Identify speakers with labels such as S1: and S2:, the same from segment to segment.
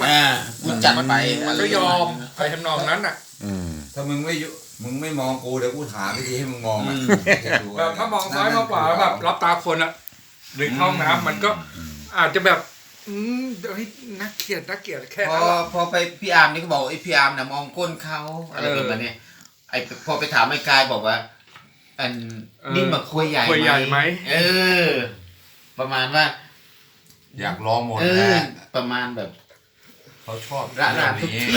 S1: กูจัดไป
S2: มันก็ยอมไปทำนองนั้นอ่ะ
S3: ถ้ามึงไม่มองกูเดี๋ยวกูหาวิธีให้มึงมองอ่ะ
S2: แบบถ้ามองซ้ายมองขวาแบบรับตาคนอ่ะหรือเข้าห้องน้ำมันก็อาจจะแบบเฮ้ยนักเกลียดแค่นั้น
S1: พอไปพี่อาร์มนี่ก็บอกไอ้พี่อาร์มเนี่ยมองก้นเขาอะไรแบบนี้ไอ้พอไปถามไอ้กายบอกว่าอันนี่มาคุยใหญ่ไหมประมาณว่า
S3: อยากลองหมดนะ
S1: ประมาณแบบ
S3: เขาชอบ
S1: ระดับทุกที่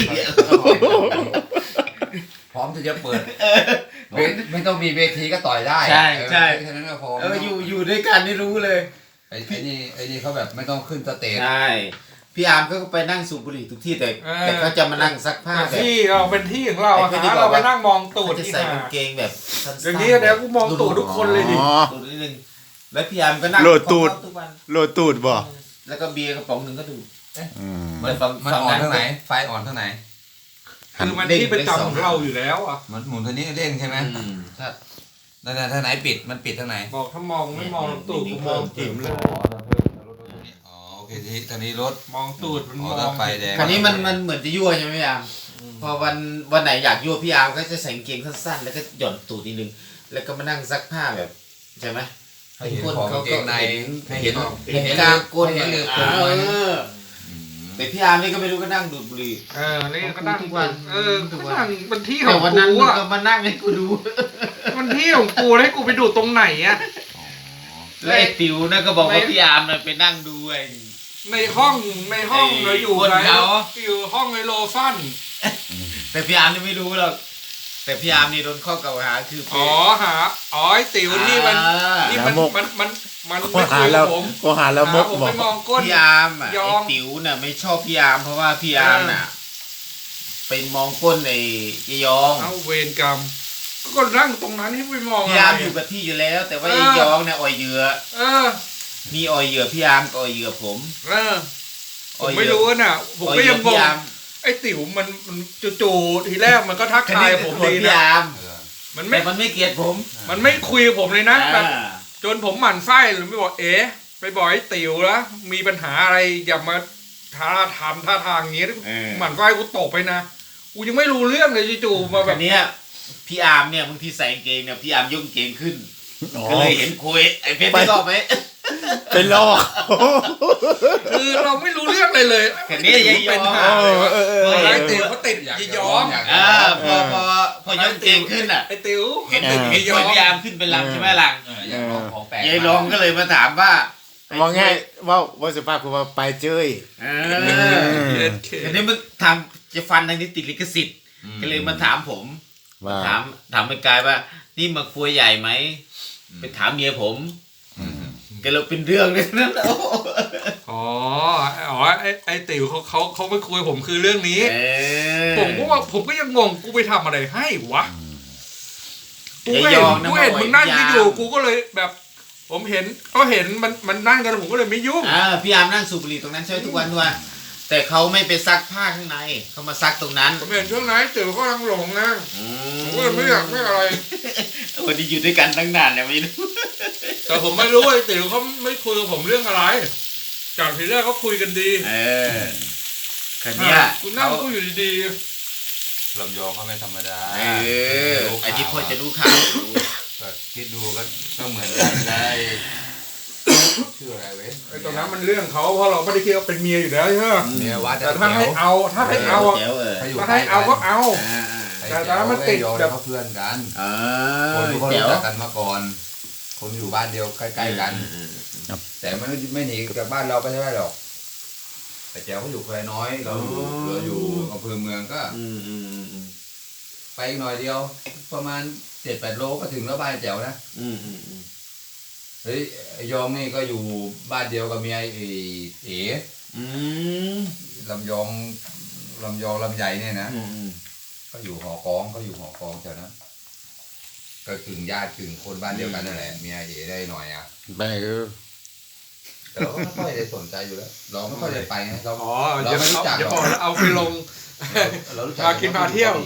S3: พร้อมที่จะเปิดไม่ต้องมีเวทีก็ต่อยได้
S1: ใช่
S3: แค่นั้นก็พอ
S1: อยู่ด้วยกันนี่รู้เลย
S3: ไอ้นี่เขาแบบไม่ต้องขึ้นสเตจ
S1: ใช่พี่อาร์มก็ไปนั่งสูบบุหรี่ทุกที่แต่เขาจะมานั่งซักผ้าแบบ
S2: ที่เราเป็นที่ของเราเราไปนั่งมองตูด
S1: จะ
S2: ที่
S1: ใส่
S2: หาก
S1: างเกงแบบสั้นๆ
S2: อย่างนี้เดี๋ยวกูมองตูดทุกคนเลยดิ
S1: ตูดนิดนึงแล้วพี่อาร์มก็นั่ง
S4: โหลดตูด
S1: ทุกวัน
S4: โลตูดบ่
S1: แล้วก็เบียร์กระป๋องหนึ่งก็ดู
S3: มันอ่อนเท่าไหนไฟอ่อนเท่าไหน
S2: คือมันที่ประจำของเราอยู่แล้วอ่ะ
S3: มันหมุนตัวนี้เร่งใช่ไหม นั่นท่าไหนปิดมันปิดท่าไหน
S2: บอกถ้ามองไม่มองตูดกูมองจิ๋มเลย
S3: อ๋อโอเคทีท่านี้รถ
S2: มองตูดมันมอง
S3: ถ้าไฟแดง
S1: คราวนี้มันเหมือนจะยั่วใช่ไหมพี่อาร์มพอวันไหนอยากยั่วพี่อาร์มก็จะใส่กางเกงสั้นๆแล้วก็หย่อนตูดนิดนึงแล้วก็มานั่งซักผ้าแบบใช่ไหม
S3: ให้เห็นของเกงในให้เห็น
S1: เห็นกลางก้น
S3: เห็นเลือด
S1: แต่พี่อาร์มนี่ก็ไม่รู้ก็นั่งดูดบุหรี่
S2: นี่ก็นั่ง
S1: ทุกวัน
S2: ก็นั่งมันที่ข
S1: แต่
S2: อง
S1: วันนั้น
S2: กู
S1: มึง
S2: อ่ะ
S1: ก็มานั่งให้กูดู
S2: มันที่ของกูให้กูไปดูตรงไหนอ่ะ
S1: แล้วไอ้ติ๋วนะก็บอกว่าพี่อาร์มน่ะไปนั่งดูไอ้
S2: ในห้องเราอยู่
S1: คนเขา
S2: อยู่ห้องไอโลฟัน
S1: แต่พี่อาร์มนี่ไม่รู้หรอกแต่พี่อาร์มนี่โดนข้อกล่าวหาคือ
S2: อ๋อไอ้ติ๋วนี่มันนี่มันไม่คุยกับผม
S4: ก็หาแล้วมก
S2: ผม
S4: บอ
S2: ไป
S4: ก
S2: มองก้น
S1: พี่อาร์มอ่ะ
S2: ยอ
S1: ไอ้
S2: ม
S1: ติ๋วน่ะไม่ชอบพี่อาร์มเพราะว่าพี่อาร์มน่ะไปมองก้นไอ้ยายอง
S2: เอาเวรกรรมก็นั่งตรงนั้นให้ไปมอง
S1: พี่อาร์มอยู่กับที่อยู่แล้ว แต่ว่าไอ้ยองเนี่ยอ่อยเหยื่อ
S2: อ
S1: มีอ่อยเหยื่อพี่อาร์มก็อ่อยเหยื่อผม
S2: ผมไม่รู้น่ะผมก็ยังงงไอ้ติ๋วมันจู่ๆทีแรกมันก็ทักทายผมดี
S1: พี่
S2: นะ
S1: อาร์ม
S2: มัน
S1: แต่
S2: ไม่
S1: มันไม่เกลียดผม
S2: มันไม่คุยกับผมเลยนะแบบจนผมหมั่นไส้หรือไม่บอกไปบอกไอ้ติ๋วแล้วมีปัญหาอะไรอย่ามาท่าทางอย่างงี้หมั่นไส้กูตกไปนะกูยังไม่รู้เรื่องเลยจู่ๆมาแบบ
S1: เนี้ยพี่อาร์มเนี่ยบางทีใส่กางเกงเนี่ยพี่อาร์มยกกางเกงขึ้นก็เลยเห็นคุยไอ้เพชรไม่ชอบไหม
S4: เป็นลอก
S2: คือเราไม่รู้เรื่องเลย
S1: แค่นี้ยายย
S2: เป็
S1: อน ง
S2: หาเลยวะไอ้ติ๋วเขาติดยายยอม
S1: พอยกกางเกงขึ้นอ่ะ
S2: ไอ้ติ๋ว
S1: เห็นพี่อาร์มขึ้นเป็นลำใช่ไหมล่ะ
S3: อยากลองของแปลก
S1: ยายรองก็เลยมาถามว่า
S4: ว่าง่ายว่าสุภาพคือว่าไปเจ้ย
S1: อันนี้มันทำจะฟันทางนี้ติดลิขสิทธิ์ก็เลยมาถามผม
S4: ว่า
S1: ถามไอ้กายว่านี่มาคุยใหญ่ไหมไปถามเมียผมก็เลยเป็นเรื่องเลยนั่น
S2: อ๋อไอ้ติ๋วเขาไม่คุยผมคือเรื่องนี้ ผมก็ยังงงกูไปทำอะไรให้วะกูเห็นมึงนั่งอยู่กูก็เลยแบบ ผมเห็นมันนั่งกันผมก็เลยไม่ยุ่ง
S1: พี่อาร์มนั่งสูบบุหรี่ตรงนั้นใช่ไหมทุกวันด้วยแต่เขาไม่ไปซักผ้าข้างในเขามาซักตรงนั้น
S2: ผมเห็นช่วงไหนติ๋วก็กำลังหลงนะผมก็เลยไม่อยากไม่อะไร
S1: วันนี้อยู่ด้วยกันตั้งนานแล้วไม่รู้
S2: แต่ผมไม่รู้ไอ้ติ๋วเขาไม่คุยกับผมเรื่องอะไรจากทีแรกเขาคุยกันดี
S1: คันนี้
S2: กูนั่งกูอยู่ดี
S3: ลำยองเขาไม่ธรรมดา
S1: ไอ้ที่พ่อจะรู้ข่าว
S3: คิดดูก็เหมือนกันได้ชื่ออะไรเว้ย
S2: ๆไอ้ตรงนั้นมันเรื่องเขาเพราะเราไม่ได้คิดว่าเป็นเมียอยู่แล้วใช่ไหม
S3: เนี่ยวัด
S2: แต่ถ้าให้เอาถ้าให้เอาก็เอา แต่ตอนนั้นมันติดแบบ
S3: เขาเพื่อนกันคนที่เขารู้จักกันมาก่อนคนอยู่บ้านเดียวใกล้ๆกันแต่มันไม่หนีจากบ้านเราไปไม่ได้หรอกแต่แจ๋วเขาอยู่แควน้อยเราอยู่อำเภอเมืองก็ไปอีกหน่อยเดียวประมาณ 7-8 โลก็ถึงแล้วบ้านแจ๋วนะเฮ้ยยองนี่ก็อยู่บ้านเดียวกับเมียเอ๋ลำยองลำใหญ่เนี่ยนะก็อยู่หอกองแถวนั้นก็กึ่งญาติกึ่งคนบ้านเดียวกันนั่นแหละเมียเอ๋ได้หน่อยอ่ะ
S4: ไปคือ
S3: แต่เราก็ไม่ค่อยได้สนใจอยู่แล้วเราไม่ค่อยได้ไปนะเรา
S2: อย่า
S3: ไม่รู้จัก
S2: อย่าบอกแล้วเอาไปลง
S3: เรารู้จัก
S2: พากินพาเที่ยว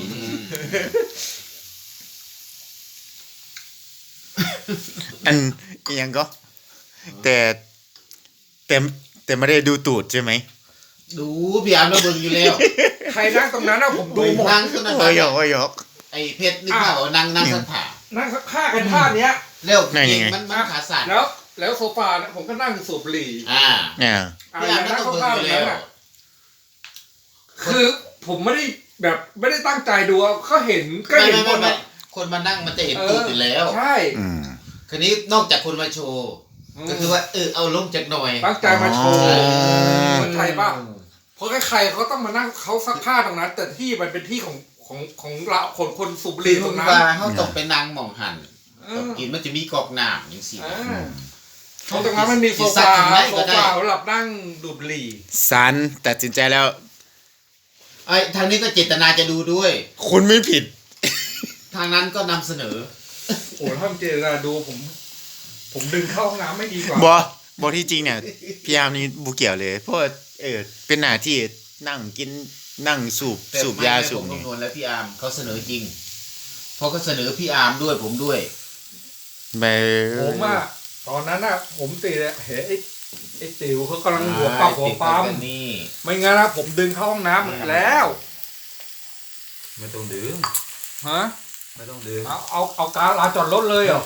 S4: อันยังก็ แต่ไม่ได้ดูตูดใช่ไหม
S1: ดูพี่อาร์มเราเบิ่งอยู่แล้ว
S2: ใครนั่งตรงนั้นนะผมดูหมด
S1: นั่งขึ้นนะ
S4: โอ้ยหยอกโอ้ยหยอก
S1: ไอ้เพชรนึกว่าเอานั่งสักผ่า
S2: นั่งฆ่ากันท่าเนี้ย
S1: แล้ว
S4: นั่น
S1: เก่
S4: ยัง งไง
S1: มันขาสั่น
S2: แล้วโซฟาเนี่ยผมก็นั่งสูบบุหรี่
S1: อ่า
S4: เนี่ย
S1: พี่อาร์ม
S2: นั่
S1: นั่
S2: ง
S1: งเบิ่ง
S2: ข้า
S1: อ
S2: ว
S1: ยู่
S2: ๆ
S1: แล้
S2: นั้น
S1: ว
S2: อ่ะคือผมไม่ได้ตั้งใจดูก็เห็นก็เห็นคน
S1: ไม่
S2: อ่ะ
S1: คนมานั่งมันจะเห็นตูดอยู่แล้ว
S2: ใช่
S4: อืม
S1: คืนนี้นอกจากคนมาโชว์ก็คือว่าเอาลงจากหน่อย
S2: ตั้งใจมาโชว์
S4: อ๋อ
S2: คนไทยป่ะเพราะใครๆเขาต้องมานั่งเขาซักผ้าตรงนั้น แต่ที่มันเป็นที่ของเราคนสูบบุหรี่ตรงนั้น
S1: ว่าเขาต้องไปนั่งมองหัน
S2: เอ
S1: ต้อง
S2: อ
S1: กินมันจะมีกอกน้ำอย่างสิ
S2: เพราะตรงนั้นมันมีโซฟาสำหรับนั่งดูดบุหรี่
S4: สันตัดสินใจแล้ว
S1: ไอ้ทางนี้ก็เจตนาจะดูด้วย
S4: คุณไม่ผิด
S1: ทางนั้นก็นำเสนอ
S2: โอ้ถ้าเจตนาดูผมดึงเข้าห้องน้ำไม่ดีกว่า
S4: บอที่จริงเนี่ยพี่อาร์มนี่บุเกี่ยวเลย เพราะว่าเป็นหน้าที่นั่งกินนั่งสูบยาสูบ
S1: ผม
S4: นี่
S1: คำนวณแล้วพี่อาร์มเขาเสนอจริงเพราะเขาเสนอพี่อาร์มด้วยผมด้วย
S4: ไป
S2: ผมอ่ะตอนนั้นอ่ะผมตีเลยเห็นไอ้ติ๋วเขากำลังหัวปักหัวปั๊ม
S1: นี่
S2: ไม่งั้นนะผมดึงเข้าห้องน้ำแล้ว
S3: ไม่ต้องดึง
S2: ฮะ
S3: ไม่ต้องดึง
S2: เอาการลาจอดรถเลยเหรอ